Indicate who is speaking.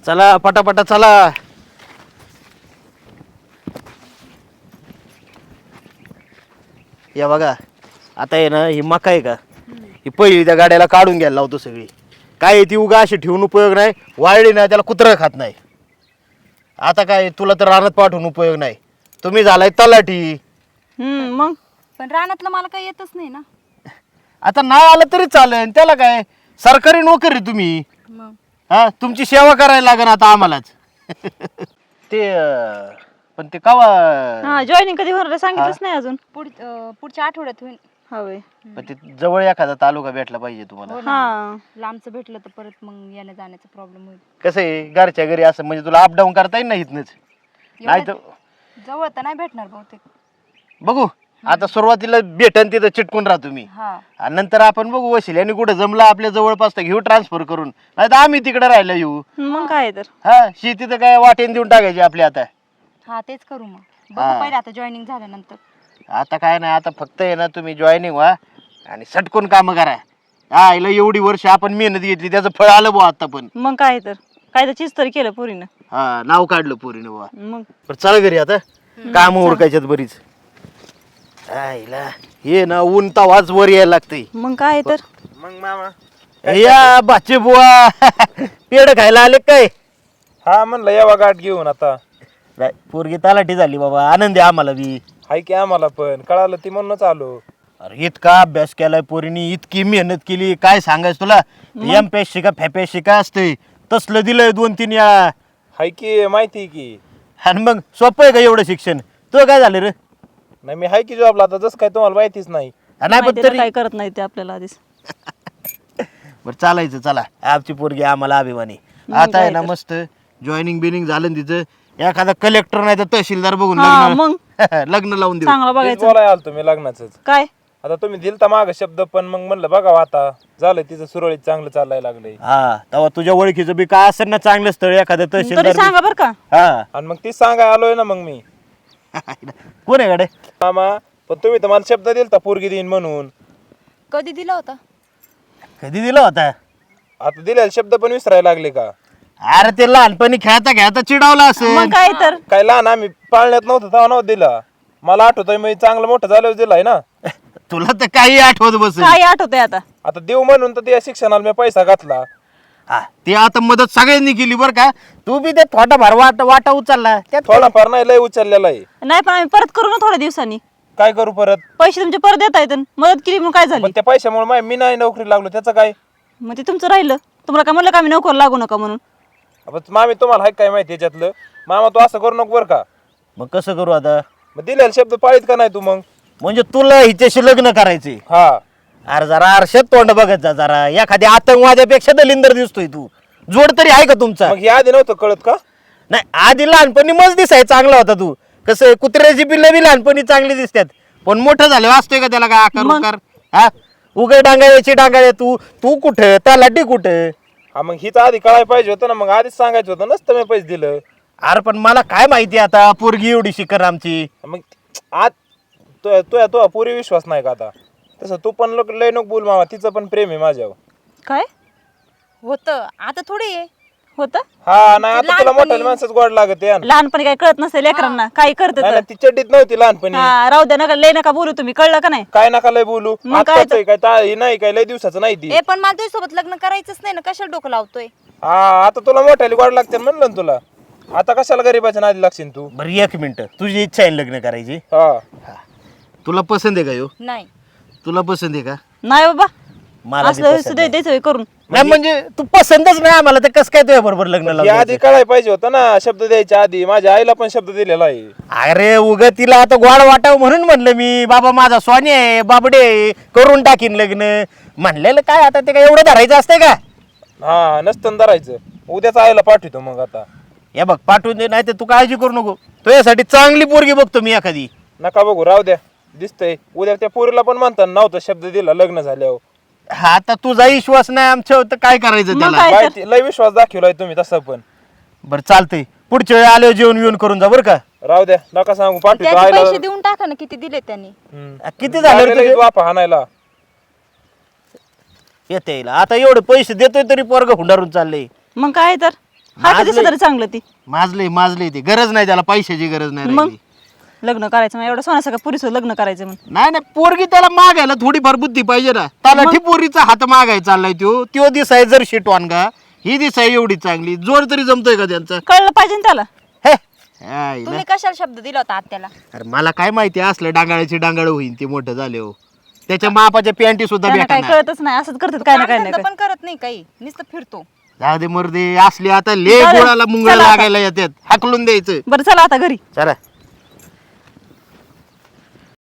Speaker 1: चला पटापटा चला. या बघा आता आहे ना ही मका आहे का ही पहिली त्या गाड्याला काढून घ्यायला लावतो सगळी. काय ती उगा अशी ठेवून उपयोग नाही, वाळली ना त्याला कुत्रं खात नाही. आता काय तुला तर रानात पाठवून उपयोग नाही, तुम्ही झालाय तलाठी.
Speaker 2: मग
Speaker 3: पण रानातलं मला काही येतच नाही ना.
Speaker 1: आता नाही आलं तरी चालेल, त्याला काय सरकारी नोकरी तुम्ही.
Speaker 3: मग
Speaker 1: हा तुमची सेवा करायला लागेल आता आम्हालाच. ते पण ते कवा
Speaker 2: हा जॉईनिंग कधी होणार आहे सांगितलंच नाही अजून.
Speaker 3: पुढच्या आठवड्यात होईल.
Speaker 2: हवे
Speaker 1: पण ते जवळ एखादा तालुका भेटला पाहिजे तुम्हाला.
Speaker 3: हो ना.
Speaker 2: हा
Speaker 3: लांबचं भेटलं तर परत मग येण्या जाण्याचा प्रॉब्लेम होईल.
Speaker 1: कसं आहे घरच्या घरी असं म्हणजे तुला अपडाऊन करता येईल ना इथनच. नाही तर
Speaker 3: जवळ तर नाही भेटणार बहुतेक.
Speaker 1: बघू आता सुरुवातीला भेटन तिथं चिटकून राहा तुम्ही.
Speaker 3: हा
Speaker 1: आणि नंतर आपण बघू वशील आणि कुठं जमलं आपल्या जवळपास तर घेऊ ट्रान्सफर करून, नाही तर आम्ही तिकडे राहायला येऊ.
Speaker 2: मग काय तर.
Speaker 1: हा शेती तर काय वाटेन देऊन टाकायची आपली आता.
Speaker 3: हा तेच करू मग. बघू पहिले आता जॉईनिंग झाल्यानंतर.
Speaker 1: आता काय नाही, आता फक्त आहे ना तुम्ही जॉईनिंग व्हा आणि सटकून काम करा. हा हिला एवढी वर्ष आपण मेहनत घेतली त्याचं फळ आलं बुवा आता. पण
Speaker 2: मग काय तर चीज तरी केलं पोरीनं.
Speaker 1: हा नाव काढलं पोरीनं बुवा.
Speaker 2: मग
Speaker 1: बरं चला घरी आता काम उरकायच्यात बरीच. हिला हे ना ऊन तवाच वर यायला लागतंय.
Speaker 2: मग काय तर.
Speaker 4: मग मामा
Speaker 1: या बाचे बुवा पेड खायला आले काय?
Speaker 4: हा म्हणलं यावा गाठ घेऊन आता.
Speaker 1: नाही पोरगी तलाठी झाली बाबा, आनंद आहे आम्हाला बी.
Speaker 4: हाय की आम्हाला पण कळालं ती म्हणूनच आलो.
Speaker 1: अरे इतका अभ्यास केलाय पोरीनी, इतकी मेहनत केली, काय सांगायचं तुला. एमपीएस शिका फॅपीएस शिका असते तसलं दिलंय 2-3 वेळा.
Speaker 4: हाय की माहिती की.
Speaker 1: आणि मग सोपं आहे का एवढं शिक्षण? तो काय झालं रे?
Speaker 4: नाही मी हाय की जॉबला आता, जसं काय तुम्हाला माहितीच नाही.
Speaker 1: नाही पण
Speaker 2: माहिती
Speaker 1: तरी
Speaker 2: काय करत नाही ते आपल्याला आधीच.
Speaker 1: बरं चालायचं. चला आमची पोरगी आम्हाला अभिमानी. आता आहे ना मस्त जॉईनिंग बिनिंग झालं ना तिचं, एखादा कलेक्टर नाही तर तहसीलदार बघून
Speaker 2: हा,
Speaker 1: लग्न
Speaker 2: मग
Speaker 1: लग्न लावून देऊ.
Speaker 2: चांगलं
Speaker 4: तेच
Speaker 2: बघायचं.
Speaker 4: बोलायला आलो तुम्ही लग्नाचंच.
Speaker 2: काय
Speaker 4: आता तुम्ही दिलता माग शब्द, पण मग म्हणलं बघावं आता झालंय तिचं सुरळीत चांगलं चालायला लागलंय.
Speaker 1: हा तेव्हा तुझ्या ओळखीचं बी काय असेल ना चांगलं स्थळ एखादं
Speaker 2: तरी
Speaker 1: तहसीलदार
Speaker 2: सांगा बर का.
Speaker 1: हा
Speaker 4: आणि मग तीच सांगाय आलोय ना मग मी.
Speaker 1: कोण आहे गाडे?
Speaker 4: मामा पण तुम्ही तर मला शब्द दिलता पोरगी देईन म्हणून.
Speaker 3: कधी दिला होता?
Speaker 1: कधी दिला होता?
Speaker 4: आता दिलेला शब्द पण विसरायला लागले का?
Speaker 1: अरे ते लहानपणी खेळता खेळता चिडावला असेल.
Speaker 2: मग काय तर.
Speaker 4: काय लहान आम्ही पाळण्यात नव्हतं तेव्हा नव्हतं दिला. मला आठवतोय मी चांगलं मोठं झाल्यावर दिलाय ना.
Speaker 1: तुला तर काही आठवत बसेल.
Speaker 2: काय आठवतंय आता.
Speaker 4: आता देऊ म्हणून तर त्या शिक्षणाला मी पैसा घातला.
Speaker 1: हा ते आता मदत सगळ्यांनी केली बरं का. तू बी ते थोडाफार वाटा उचलला त्यात काय?
Speaker 4: थोडाफार नाही लय उचललेला आहे.
Speaker 2: नाही पण आम्ही परत करू ना थोड्या दिवसांनी.
Speaker 4: काय करू परत?
Speaker 2: पैसे तुमचे परत देता येतात. मदत केली म्हणून काय झाली.
Speaker 4: पण त्या पैशामुळे मी नाही नोकरी लागलो त्याचं काय?
Speaker 2: मग ते तुमचं राहिलं. तुम्हाला काय म्हणलं का आम्ही नोकर लागू नका म्हणून.
Speaker 4: आपण मामी तुम्हाला हाय काय माहिती याच्यातलं. मामा तू असं करू नको बरं का.
Speaker 1: मग कसं करू आता?
Speaker 4: मग दिलेला शब्द पाळीत का नाही तू मग?
Speaker 1: म्हणजे तुला हिच्याशी लग्न करायचे?
Speaker 4: हा
Speaker 1: अरे जरा आरशात तोंड बघत जा जरा. एखाद्या आतंकवाद्यापेक्षा दलिंदर दिसतोय तू. जोड तरी आहे का तुमचा?
Speaker 4: मग हे आधी नव्हतं कळत का?
Speaker 1: नाही आधी लहानपणी मज दिसाय चांगला होता तू. कसं कुत्र्याची पिल्लं बी लहानपणी चांगली दिसतात, पण मोठं झालं वाचतोय का त्याला काय आकार उकार? हा उघड डांगाळ्याची डांगाळ्या. तू तू कुठं तलाठी कुठं?
Speaker 4: हा मग हिचं आधी कळायला पाहिजे होतं ना. मग आधीच सांगायचं होतं नसतं मी पैसे दिलं.
Speaker 1: अरे पण मला काय माहिती आता पोरगी एवढी शिकर आमची.
Speaker 4: मग आज तो पुरी विश्वास नाही का आता? तसं तू पण लय नको बोल मामा, तिचं पण प्रेम आहे माझ्यावर.
Speaker 2: काय
Speaker 3: होतं आता थोडी आहे.
Speaker 2: होतं.
Speaker 4: हा नाही आता तुला मोठ्या माणसाच गोड लागत आहे.
Speaker 2: लहानपणी काय कळत नसेल लेकरांना. काही करत
Speaker 4: नाही ती चड्डीत नव्हती लहानपणी.
Speaker 2: हा राहू द्या नका लय नका बोलू तुम्ही. कळलं का नाही.
Speaker 4: काय नका लय बोलू.
Speaker 2: मग काय
Speaker 4: आत्ताच आहे काय हे नाही काय लय दिवसाचं नाही ती.
Speaker 3: ए पण मला तुझ्यासोबत लग्न करायचंच नाही ना. कशाला डोकं लावतोय?
Speaker 4: हा आता तुला मोठ्याली गोड लागते म्हणलं ना तुला. आता कशाला गरीबाच्या नादी लागशील तू?
Speaker 1: बरं एक मिनिट, तुझी इच्छा आहे लग्न करायची?
Speaker 4: हा
Speaker 1: तुला पसंत आहे का यो?
Speaker 3: नाही.
Speaker 1: तुला पसंत आहे का?
Speaker 2: नाही बाबा
Speaker 1: मला बी
Speaker 2: असलं
Speaker 1: पसंत आहे.
Speaker 2: द्यायचं करून.
Speaker 1: नाही म्हणजे तू पसंतच नाही आम्हाला तर कसं काय तुझ्या बरोबर लग्न
Speaker 4: हे
Speaker 1: लावलं?
Speaker 4: आधी कळायला पाहिजे होतं ना. शब्द द्यायच्या आधी माझ्या आईला पण शब्द दिलेला आहे.
Speaker 1: अरे उग तिला आता गोड वाटावं म्हणून म्हणलं मी. बाबा माझा स्वानी आहे बाबडे आहे, करून टाकीन लग्न म्हणलेलं. काय आता ते काय एवढं धरायचं असतंय का?
Speaker 4: हा नसतं धरायचं. उद्याच आईला पाठवतो मग आता.
Speaker 1: हे बघ पाठवून दे, नाही तर तू काळजी करू नको. तुझ्यासाठी चांगली पोरगी बघतो मी एखादी.
Speaker 4: नका बघू राहू द्या. दिसतंय उद्या त्या पोरीला पण म्हणतात नव्हतं शब्द दिला लग्न झाल्यावर.
Speaker 1: हा आता तुझा विश्वास नाही आमच्यावर तर काय करायचं
Speaker 2: मग
Speaker 1: त्याला?
Speaker 2: काय?
Speaker 4: बाई, लय विश्वास दाखवलाय तुम्ही तसं पण.
Speaker 1: बरं चालतंय, पुढच्या वेळी आल्यावर जेवण बिवून करून जा बरं का.
Speaker 4: राहू द्या नका सांगू पाठवतो
Speaker 3: त्याचे
Speaker 4: आईला.
Speaker 3: पैसे देऊन टाका ना. किती दिले त्यांनी?
Speaker 1: किती झालं रे
Speaker 4: लागलेलं
Speaker 1: तुझे?
Speaker 4: वापा हाणायला.
Speaker 1: येते आता एवढे पैसे देतोय तरी पोरग हुंडारून चाललंय.
Speaker 2: मग काय तर. हा का दिसत तरी चांगलं ती
Speaker 1: माजले ती गरज नाही त्याला पैशाची गरज नाही
Speaker 2: मग
Speaker 1: राहिली.
Speaker 2: लग्न करायचं मग एवढं सोन्यासारखं पुरीसोबत लग्न करायचं म्हणून
Speaker 1: नाही पोरगी त्याला मागायला थोडीफार बुद्धी पाहिजे ना त्याला पोरीचा हात मागाय चाललाय त्यो दिसाय जर शिटवान का ही दिसाय एवढी चांगली जोड तरी जमतोय का त्यांचं
Speaker 2: कळलं पाहिजे ना त्याला.
Speaker 1: हे आईला.
Speaker 3: तुम्ही कशाला शब्द दिला होता आत्याला?
Speaker 1: अरे मला काय माहिती असलं डांगाळ्याची डांगाळ होईन ते मोठं झाले हो त्याच्या मापाच्या पॅन्टी सुद्धा
Speaker 2: त्यांना काय
Speaker 1: भेटणार
Speaker 2: कळतच नाही असंच करतात काय ना काय
Speaker 3: कामधंदा
Speaker 2: नाही
Speaker 3: पण करत नाही काही, नुसतं फिरतो.
Speaker 1: जाऊ दे मर्दे असले आता ले
Speaker 2: चालेल.
Speaker 1: गोळाला मुंगळ
Speaker 2: चला आता.
Speaker 1: लागायला येतात हाकलून द्यायचं
Speaker 2: बरं चला आता घरी.
Speaker 1: चला